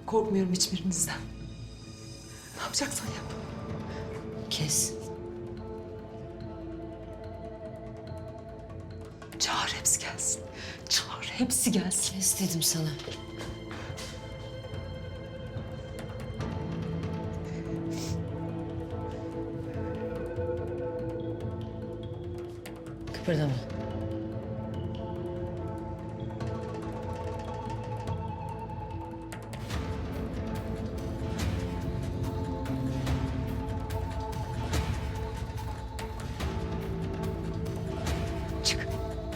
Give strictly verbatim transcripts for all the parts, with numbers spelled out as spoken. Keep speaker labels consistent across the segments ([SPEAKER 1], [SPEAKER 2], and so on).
[SPEAKER 1] Korkmuyorum hiçbirinizden. Ne yapacaksan yap.
[SPEAKER 2] Kes.
[SPEAKER 1] Çağır hepsi gelsin. Çağır hepsi gelsin.
[SPEAKER 2] Kes dedim sana. Kıpırdama. Çık.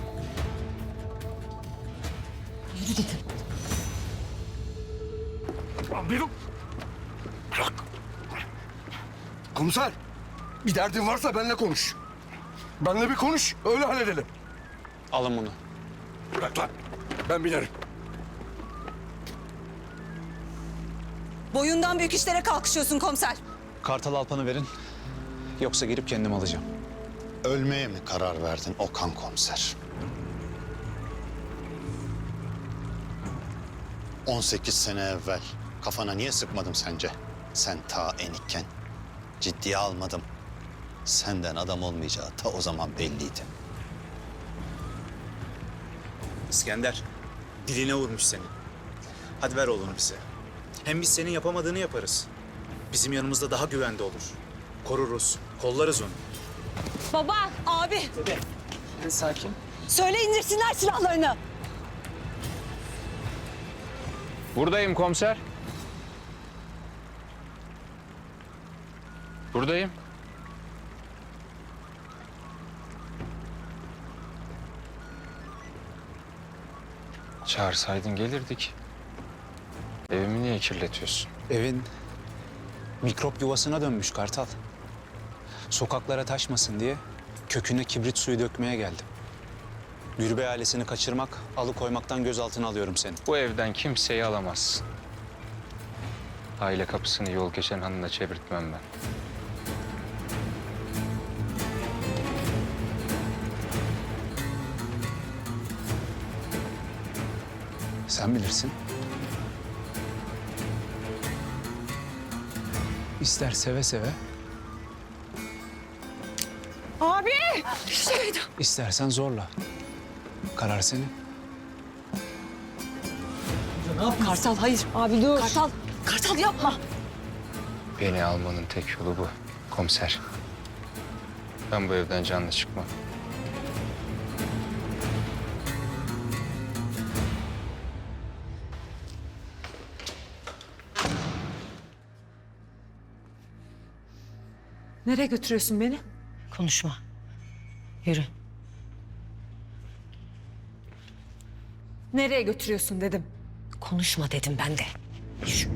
[SPEAKER 2] Yürü dedim.
[SPEAKER 3] Amirim. Bırak. Komiser, bir derdin varsa benimle konuş. Benimle bir konuş, öyle halledelim.
[SPEAKER 4] Alın bunu.
[SPEAKER 3] Bırak lan, ben binerim.
[SPEAKER 5] Boyundan büyük işlere kalkışıyorsun komiser.
[SPEAKER 4] Kartal Alpan'ı verin. Yoksa girip kendim alacağım.
[SPEAKER 6] Ölmeye mi karar verdin Okan komiser? on sekiz sene evvel kafana niye sıkmadım sence? Sen ta enikken. Ciddiye almadım. Senden adam olmayacağı ta o zaman belliydi.
[SPEAKER 4] İskender, diline vurmuş seni. Hadi ver oğlunu bize. Hem biz senin yapamadığını yaparız. Bizim yanımızda daha güvende olur. Koruruz, kollarız onu.
[SPEAKER 5] Baba, abi.
[SPEAKER 4] Sakin.
[SPEAKER 5] Söyle indirsinler silahlarını.
[SPEAKER 7] Buradayım komiser. Buradayım. Çağırsaydın gelirdik. Evimi niye kirletiyorsun?
[SPEAKER 4] Evin mikrop yuvasına dönmüş Kartal. Sokaklara taşmasın diye köküne kibrit suyu dökmeye geldim. Gürbey ailesini kaçırmak, alıkoymaktan gözaltına alıyorum seni.
[SPEAKER 7] Bu evden kimseyi alamazsın. Aile kapısını yol geçen hanına çevirtmem ben.
[SPEAKER 4] Sen bilirsin. İster seve seve,
[SPEAKER 5] Abi. Şeyda.
[SPEAKER 4] istersen zorla. Karar senin.
[SPEAKER 5] Kartal hayır. Abi dur. Kartal. Kartal yapma.
[SPEAKER 7] Beni almanın tek yolu bu komiser. Ben bu evden canlı çıkmam.
[SPEAKER 1] Nereye götürüyorsun beni?
[SPEAKER 2] Konuşma. Yürü.
[SPEAKER 1] Nereye götürüyorsun dedim.
[SPEAKER 2] Konuşma dedim ben de. Yürü.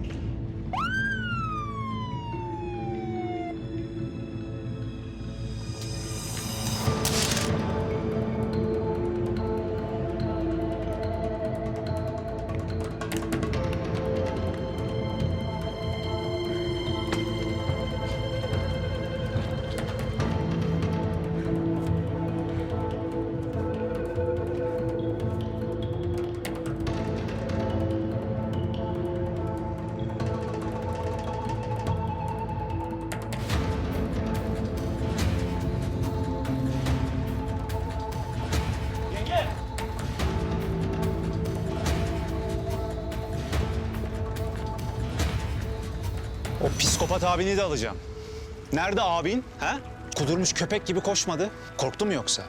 [SPEAKER 4] O psikopat abini de alacağım. Nerede abin? Ha? Kudurmuş köpek gibi koşmadı. Korktu mu yoksa?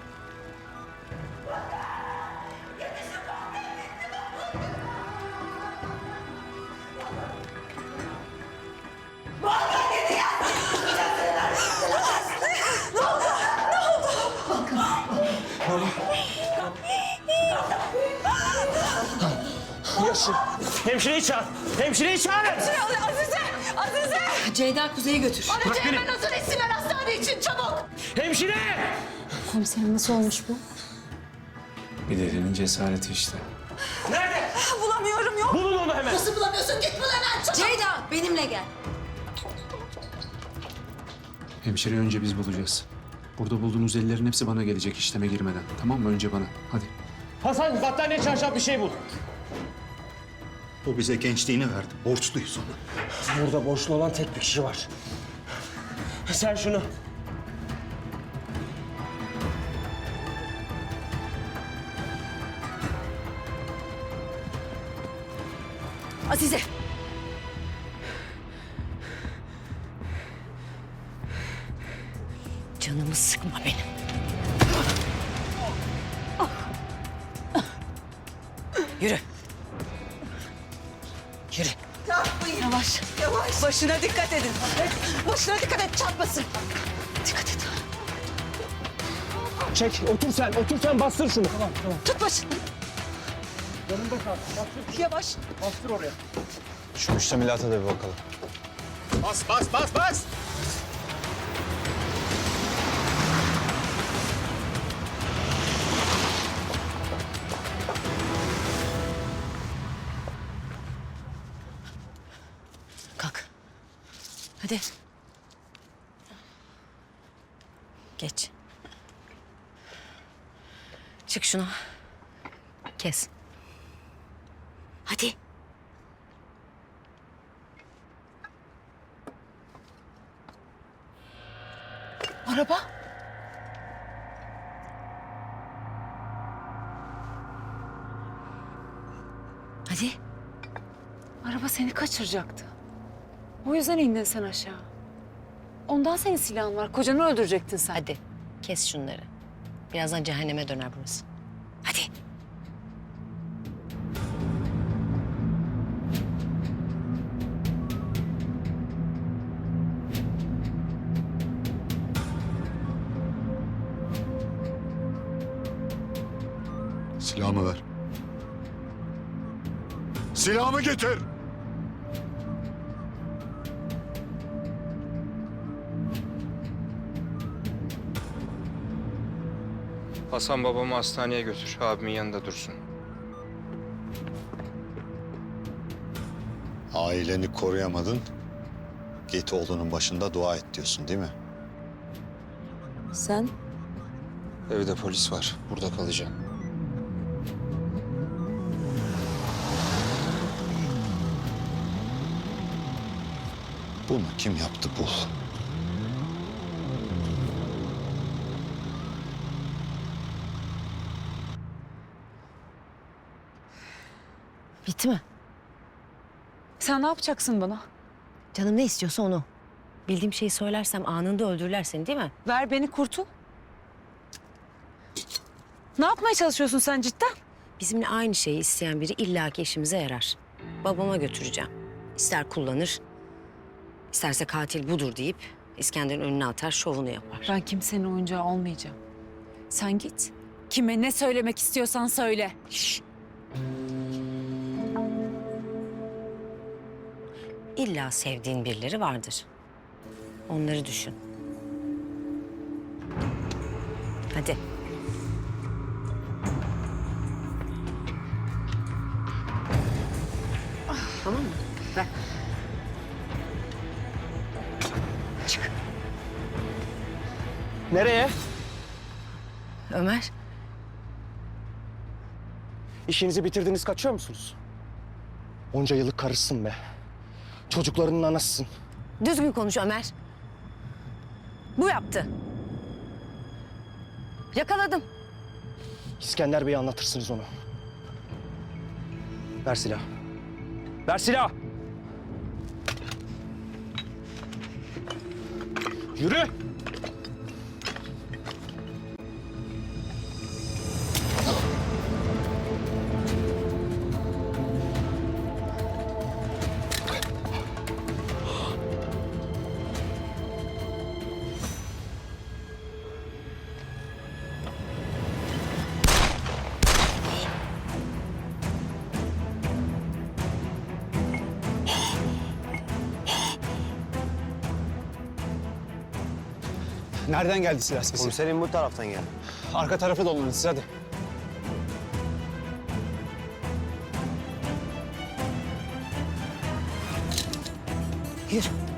[SPEAKER 8] Hemşireyi çağır. Hemşireyi çağır.
[SPEAKER 5] Azize. Azize.
[SPEAKER 2] Ceyda Kuzey'i götür.
[SPEAKER 5] Bana Ceylan nasıl etsinler hastane için çabuk.
[SPEAKER 8] Hemşire!
[SPEAKER 2] Komiserim nasıl olmuş bu?
[SPEAKER 4] Bir delinin cesareti işte.
[SPEAKER 8] Nerede?
[SPEAKER 5] Bulamıyorum yok.
[SPEAKER 8] Bulun onu hemen.
[SPEAKER 5] Nasıl bulamıyorsun? Git bul hemen çabuk.
[SPEAKER 2] Ceyda benimle gel.
[SPEAKER 4] Hemşireyi önce biz bulacağız. Burada bulduğunuz ellerin hepsi bana gelecek işleme girmeden. Tamam mı? Önce bana. Hadi.
[SPEAKER 8] Hasan battaniye çarşaf bir şey bul.
[SPEAKER 6] O bize gençliğini verdi. Borçluyuz ona.
[SPEAKER 8] Burada borçlu olan tek bir kişi var. Sen şunu.
[SPEAKER 2] Azize. Canımı sıkma benim. Yürü. Yürü.
[SPEAKER 1] Yapmayın. Yavaş. Yavaş.
[SPEAKER 5] Başına dikkat edin. Başına dikkat et, çarpmasın.
[SPEAKER 2] Dikkat et.
[SPEAKER 8] Çek, otur sen, otur sen bastır şunu. Tamam, tamam.
[SPEAKER 5] Tut başını.
[SPEAKER 8] Yanımda kal. Bastır,
[SPEAKER 5] Yavaş.
[SPEAKER 8] bastır oraya.
[SPEAKER 4] Şu müştemilata da bir bakalım.
[SPEAKER 6] Bas bas bas bas!
[SPEAKER 2] Kalk. Hadi. Geç. Çık şunu. Kes. Hadi.
[SPEAKER 5] Araba.
[SPEAKER 2] Hadi.
[SPEAKER 5] Araba seni kaçıracaktı. O yüzden indin sen aşağı. Ondan senin silahın var. Kocanı öldürecektin sen.
[SPEAKER 2] Hadi. Kes şunları. Birazdan cehenneme döner burası. Hadi.
[SPEAKER 3] Silahımı ver. Silahımı getir.
[SPEAKER 7] Hasan babamı hastaneye götür. Abimin yanında dursun.
[SPEAKER 6] Aileni koruyamadın. Git oğlunun başında dua et diyorsun değil mi?
[SPEAKER 5] Sen?
[SPEAKER 7] Evde polis var. Burada kalacağım.
[SPEAKER 6] Bunu kim yaptı bul.
[SPEAKER 2] Bitti mi?
[SPEAKER 5] Sen ne yapacaksın bana?
[SPEAKER 2] Canım ne istiyorsa onu. Bildiğim şeyi söylersem anında öldürürler seni değil mi?
[SPEAKER 5] Ver beni kurtul. Ne yapmaya çalışıyorsun sen cidden?
[SPEAKER 2] Bizimle aynı şeyi isteyen biri illaki işimize yarar. Babama götüreceğim. İster kullanır, isterse katil budur deyip İskender'in önüne atar, şovunu yapar.
[SPEAKER 5] Ben kimsenin oyuncağı olmayacağım. Sen git. Kime ne söylemek istiyorsan söyle.
[SPEAKER 2] Şşş. İlla sevdiğin birileri vardır. Onları düşün. Hadi. Tamam mı? Ver. Çık.
[SPEAKER 8] Nereye?
[SPEAKER 2] Ömer.
[SPEAKER 8] İşinizi bitirdiniz, kaçıyor musunuz? Onca yıllık karısın be. Çocuklarının anasısın.
[SPEAKER 2] Düzgün konuş Ömer. Bu yaptı. Yakaladım.
[SPEAKER 8] İskender Bey'e anlatırsınız onu. Ver silah. Ver silah! Yürü!
[SPEAKER 4] Nereden geldi silah sesi?
[SPEAKER 8] Komiserim bu taraftan geldi.
[SPEAKER 4] Arka tarafı dolanın siz hadi.
[SPEAKER 2] Yürü.